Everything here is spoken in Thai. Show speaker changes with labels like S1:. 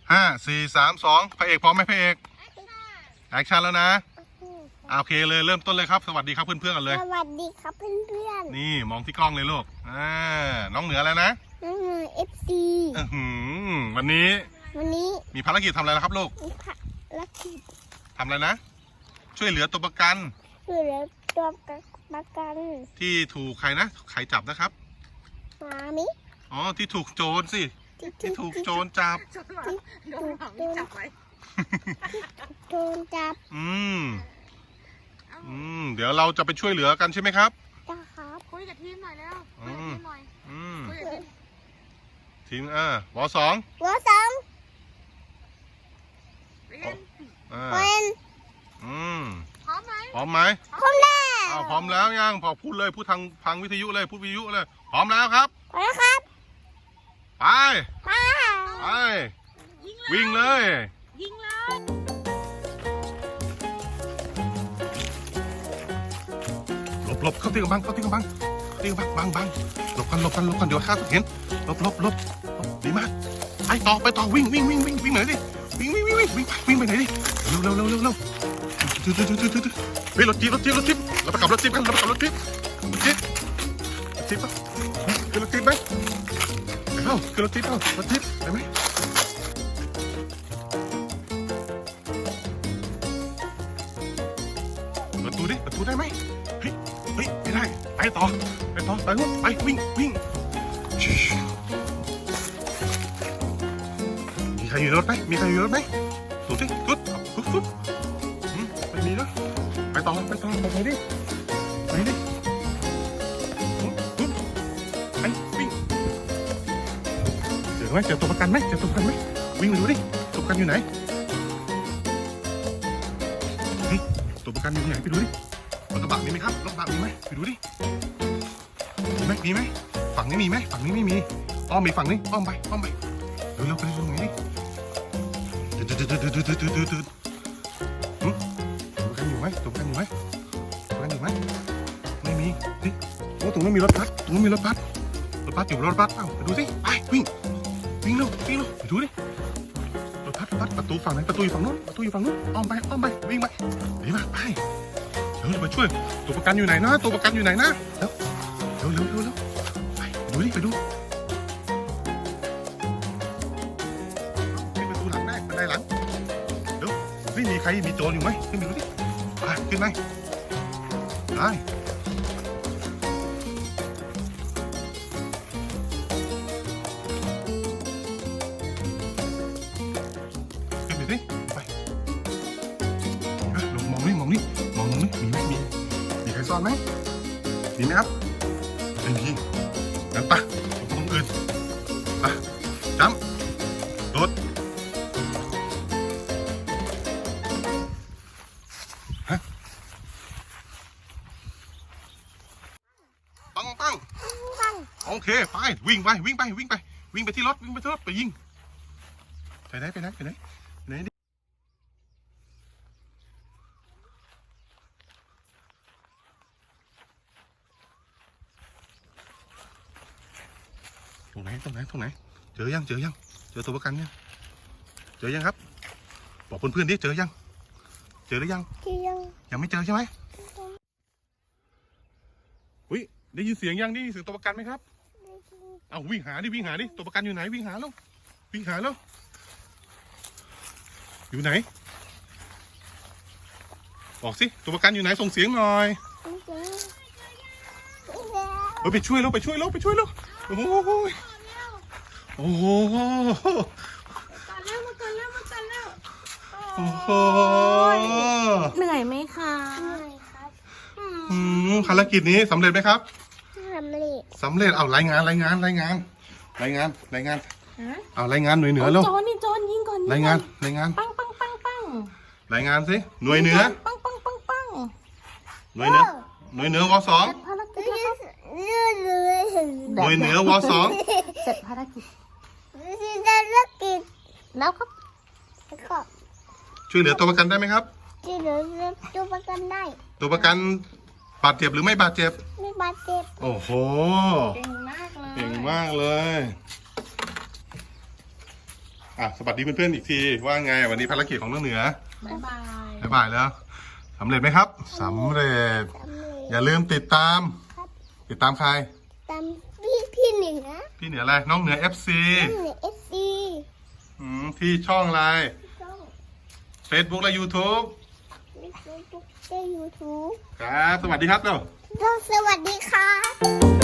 S1: 5 4 3 2พระเอกพร้อมไหมพระเอกแอคชั่นแล้วนะโอเคเลยเริ่มต้นเลยครับสวัสดีครับเพื่อนๆกันเลย
S2: สวัสดีครับเพื่อน
S1: นี่มองที่กล้องเลยลูกน้องเหนือแล้วนะ
S2: น้องเหนือ FC
S1: วันนี้มีภารกิจทำอะไรนะครับลูก
S2: มีภารกิจ
S1: ทำอะไรนะช่วยเหลือตัวประกัน
S2: ช่วยเหลือตัวประกัน
S1: ที่ถูกใครนะใครจับนะครับ
S2: มามิ
S1: ที่ถูกโจรสิที่ถูกโจรจับ
S2: ที่ถูกโจรจับไว้โจรจับ
S1: เดี๋ยวเราจะไปช่วยเหลือกันใช่ไหมครับ
S2: จ้าครับ
S3: คุยกับทีมหน่อยแล้วคุยกับทีมหน่อยคุยกับ
S1: ทีมว.2
S2: ว.2เป็น
S3: พร้อมไหม
S1: พร้อมไหม
S2: พร้อมแล้ว
S1: พร้อมแล้วยังพอพูดเลยพูดทางวิทยุเลยพูดวิทยุเลยพร้อมแล้วครับ
S2: พร้อมแล้วครับ
S1: ไปวิ่งเลย
S3: ยิงเลย
S1: หลบเข้าตีกับบังบังหลบกันเดี๋ยวข้าเห็นหลบดีมากไปต่อวิ่งไหนดิวิ่งไปไหนดิเร็วเฮ้ยรถจิ๊บเราไปขับรถจิ๊บกันขึ้นรถจิ๊บไหมขึ้นรถจิ๊บได้ไหมประตูได้ไหมเฮ้ยไม่ได้ไปต่อไปวิ่งมีใครอยู่รถไหมดูสิปุ๊บไม่มีนะไปต่อไปดิวิ่งเจอตัวประกันไหมวิ่งไปดูดิตัวประกันอยู่ไหนตัวประกันอยู่ไหนไปดูดิรถกระบะมีไหมครับรถกระบะมีไหมไปดูดิมีไหมฝั่งนี้มีไหมฝั่งนี้ไม่มีอ้อมมีฝั่งนี้อ้อมไปเร็วไปตรงไหนดิตัวประกันอยู่ไหมไม่มีตรงนั้นมีรถบัสอยู่รถบัสไปดูสิไปวิ่งเร็วไปดูดิรถบัสประตูฝั่งไหนประตูอยู่ฝั่งนู้นอ้อมไปวิ่งไปดีมากไปเดี๋ยวไปช่วยตัวประกันอยู่ไหนนะแล้วเร็วไปดูประตูหลังแม่บันไดหลังเดี๋ยวไม่มีใครมีโจรอยู่ไหมขึ้นไปดูดิขึ้นไหมได้มองนี่มีไหมมีใครซ่อนไหมมีไหมครับไม่มีงั้นปะตรงอื่นจั๊มรถปังโอเคไปวิ่งไปที่รถไปยิงไปไหนตรงไหนขึ้นไหนเจอยังเจอตัวประกันยังเจอยังครับบอกเพื่อนๆดิเจอหรือยังยังไม่เจอใช่ไหมอุ้ยได้ยินเสียงยังนี่เสียงตัวประกันไหมครับเอาวิ่งหาดิตัวประกันอยู่ไหนวิ่งหาแล้วอยู่ไหนบอกสิตัวประกันอยู่ไหนส่งเสียงหน่อยไปช่วยแล้วโอ้โหโอ้โห
S3: เหนื่อยไหมคะ
S1: ภารกิจนี้สำเร็จไหมครับสำเร็จเอารายงานเอารายงานหน่วยเหนือแล้ว
S3: โจรยิงก่อน
S1: รายงาน
S3: ปัง
S1: รายงานสิหน่วยเหนือ
S3: ปัง
S1: หน่วยเหนือว.2หน่วยเหนือว.2
S3: เสร็จภารกิจแล้วครับ
S1: ช่วยเหลือตัวประกันได้ไหมครับ
S2: ช่วยเหลือตัวประกันได้
S1: ตัวประกันบาดเจ็บหรือไม่บาดเจ็บ
S2: ไม่บาดเจ็บ
S1: โอ้โหเก่งมากเลยสวัสดีเพื่อนๆอีกทีว่าไงวันนี้ภารกิจของน้องเหนือ
S3: บ๊ายบาย
S1: บ๊ายบายแล้วสำเร็จไหมครับสำเร็จ อย่าลืมติดตาม ติดตามใคร
S2: ตามพี่เหนือ
S1: พี่เหนืออะไรน้องเหนือ FC
S2: เหนือFC
S1: ที่ช่องอะไร
S2: ช่อง
S1: Facebook และ YouTube
S2: ใน Facebook ใน YouTube
S1: ครับสวัสดีครับเร็ว
S2: สวัสดีค่ะ